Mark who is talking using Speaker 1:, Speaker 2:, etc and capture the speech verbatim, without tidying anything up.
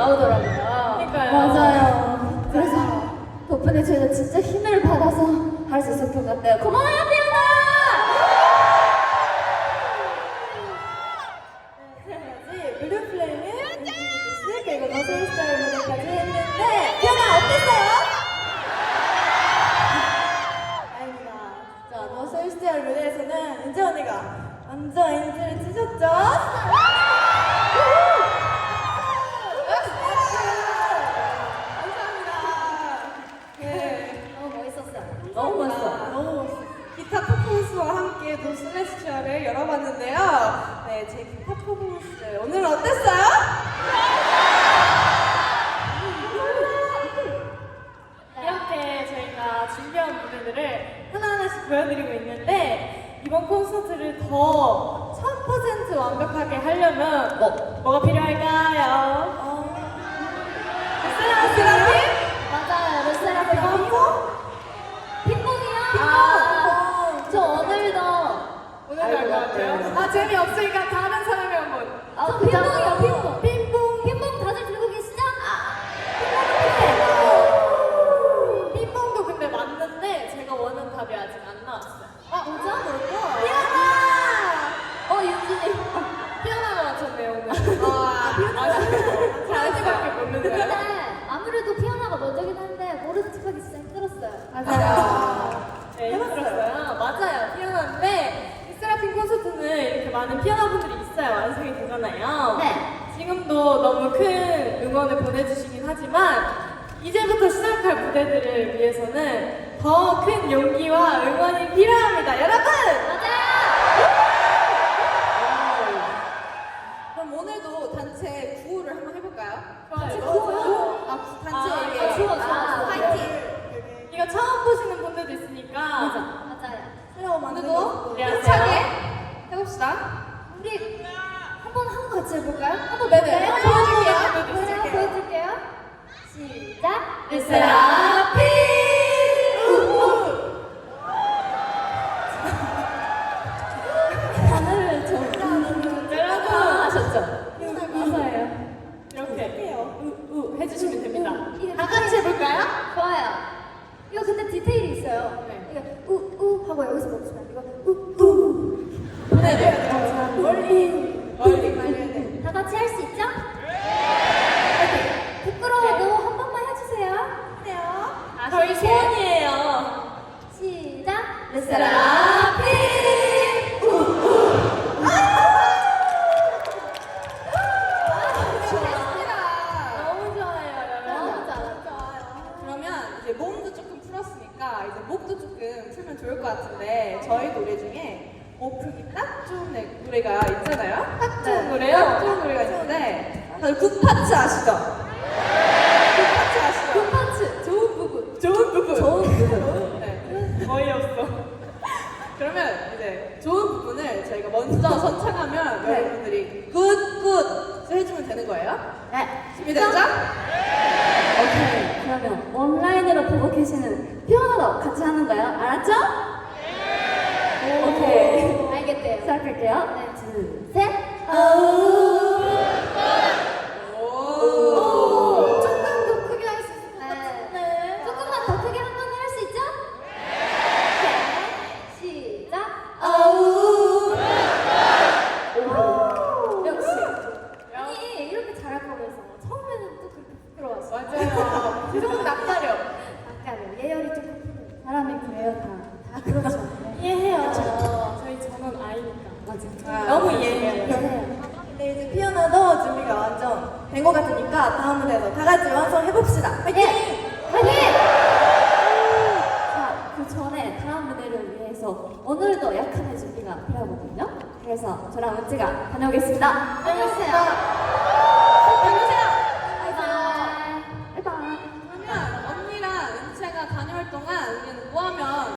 Speaker 1: 나오더라고요.
Speaker 2: 그러니까요.
Speaker 1: 맞아요. 그래서 덕분에 저희가 진짜 힘을 받아서 할 수 있을 것 같아요. 고마워요, 피아나!
Speaker 2: 지금까지 블루플레임의 인피니티스 그리고 너스스타일 무대까지 했는데 피아나 어땠어요? 아닙니다. 자, 너스스타일 무대에서는 은재 언니가 완전 인지를 찢었죠?
Speaker 1: 너무 멋있었어요.
Speaker 2: 너무 멋있어. 너무 멋있어. 기타 퍼포먼스와 함께 또 슬래시처를 열어봤는데요. 네, 제 기타 퍼포먼스 오늘은 어땠어요? 이렇게 저희가 준비한 무대들을 하나하나씩 보여드리고 있는데 이번 콘서트를 더 천 퍼센트 완벽하게 하려면 뭐, 뭐가 필요할까요? 어... 세라핀?
Speaker 1: 맞아요, 르세라핌. 핑퐁이요?
Speaker 2: 핑퐁.
Speaker 1: 아, 저 오늘도
Speaker 2: 오늘도 할 것 같아요. 아, 재미없으니까 다른 사람이 한번.
Speaker 1: 아,
Speaker 2: 저
Speaker 1: 핑퐁이요, 핑퐁.
Speaker 2: 핑퐁.
Speaker 1: 핑퐁 다들 들고 계시죠?
Speaker 2: 핑퐁도 근데 맞는데 제가 원하는 답이 아직 안 나왔어요. 아,
Speaker 1: 뭐죠?
Speaker 2: 뭘까?
Speaker 1: 피아나! 어, 윤진이.
Speaker 2: 피아노가 맞췄네요, 오늘. 아, 피아노. 자지밖에 모르는
Speaker 1: 근데
Speaker 2: 거야.
Speaker 1: 아무래도 피아노가 먼저긴 한데 모르는 척하기 진짜 힘들었어요.
Speaker 2: 맞아요. 네, 힘들었어요. 맞아요. 피아노인데 이 세라핌 콘서트는 이렇게 많은 피아노 분들이 있어야 완성이 되잖아요.
Speaker 1: 네.
Speaker 2: 지금도 너무 큰 응원을 보내주시긴 하지만 이제부터 시작할 무대들을 위해서는 더 큰 용기와 응원이 필요합니다. 여러분!
Speaker 1: 맞아요!
Speaker 2: 그럼 오늘도 단체 구호를 한번 해볼까요?
Speaker 1: 단체 구호요?
Speaker 2: 아, 구- 단체
Speaker 1: 아,
Speaker 2: 얘기예요.
Speaker 1: 아, 좋아, 좋아, 좋아.
Speaker 2: 파이팅! 이거 처음 보시는 분들도 있으니까
Speaker 1: 맞아요.
Speaker 2: 새로운 만들고
Speaker 1: 안녕하세요.
Speaker 2: 힘차게 해봅시다.
Speaker 1: 우리 한번 한 거 같이 해볼까요? 한번
Speaker 2: 네네.
Speaker 1: 볼까요?
Speaker 2: 보여줄게요.
Speaker 1: 보여줄게요.
Speaker 2: 보여줄게요.
Speaker 1: 보여줄게요. 시작.
Speaker 2: 르세라핌!
Speaker 1: 하늘을 좀
Speaker 2: 여러분!
Speaker 1: 하셨죠? 맞아요.
Speaker 2: 이렇게 해요. 우우 해주시면 됩니다.
Speaker 1: 이거
Speaker 2: 다 같이 해볼까요?
Speaker 1: 좋아요. 이거 근데 디테일이 있어요.
Speaker 2: 네.
Speaker 1: 이거 우우 하고 여기서 멈추면 이거 우우.
Speaker 2: 네, 네. 멀리, 멀리 말려야 돼.
Speaker 1: 다 같이 할 수 있죠? 네. 부끄러워도 한 번만 해주세요.
Speaker 2: 해요. 아, 저희 소원이에요.
Speaker 1: 시작.
Speaker 2: 르세라핌! 너무 좋아요, 여러분.
Speaker 1: 너무 좋아요.
Speaker 2: 그러면 이제 몸도 조금 풀었으니까 이제 목도 조금 풀면 좋을 것 같은데 저희 노래 중에 목 풀기 딱 좋은 네- 노래가 있잖아요. 딱 좋은
Speaker 1: 네.
Speaker 2: 노래요? 딱 좋은 노래가 있는데 다들 굿파츠 아시죠? 굿파츠 아시죠?
Speaker 1: 굿파츠. 좋은 부분.
Speaker 2: 좋은 부분.
Speaker 1: 좋은 부분.
Speaker 2: 네. 어이없어. 그러면 이제 좋은 부분을 저희가 먼저 선창하면
Speaker 1: 네.
Speaker 2: 여러분들이 굿굿 해주면 되는 거예요.
Speaker 1: 네.
Speaker 2: 준비됐죠?
Speaker 1: 오케이. 그러면 온라인으로 보고 계시는 피아노도 같이 하는 거예요. 알았죠? 네. 오케이. 알겠대요. 시작할게요. 하나, 둘, 셋. 오.
Speaker 2: 오.
Speaker 1: 조금 더 크게 할 수 있을 것 같은데. 조금만 더 크게 한 번 할 수 있죠? 네. 시작. 아우. 오. 역시. 아니 이렇게 잘할 거면서 처음에는 또 그렇게 부끄러웠어.
Speaker 2: 맞아요. 조금 낯가려.
Speaker 1: 아까는 예열이 조금 필요해. 사람이 그래요 다. 다 그렇죠.
Speaker 2: 이해해요. 저희 전원 아이니까.
Speaker 1: 맞아.
Speaker 2: 너무 이해해요.
Speaker 1: 이해해요.
Speaker 2: 근데 이제 피아노도 준비가 완전 된 것 같으니까 다음 무대에서 다 같이 완성해봅시다. 화이팅!
Speaker 1: 화이팅! 자, 그 전에 다음 무대를 위해서 오늘도 약간의 준비가 필요하거든요. 그래서 저랑 은지가 다녀오겠습니다.
Speaker 2: 다녀오세요. 다녀오세요.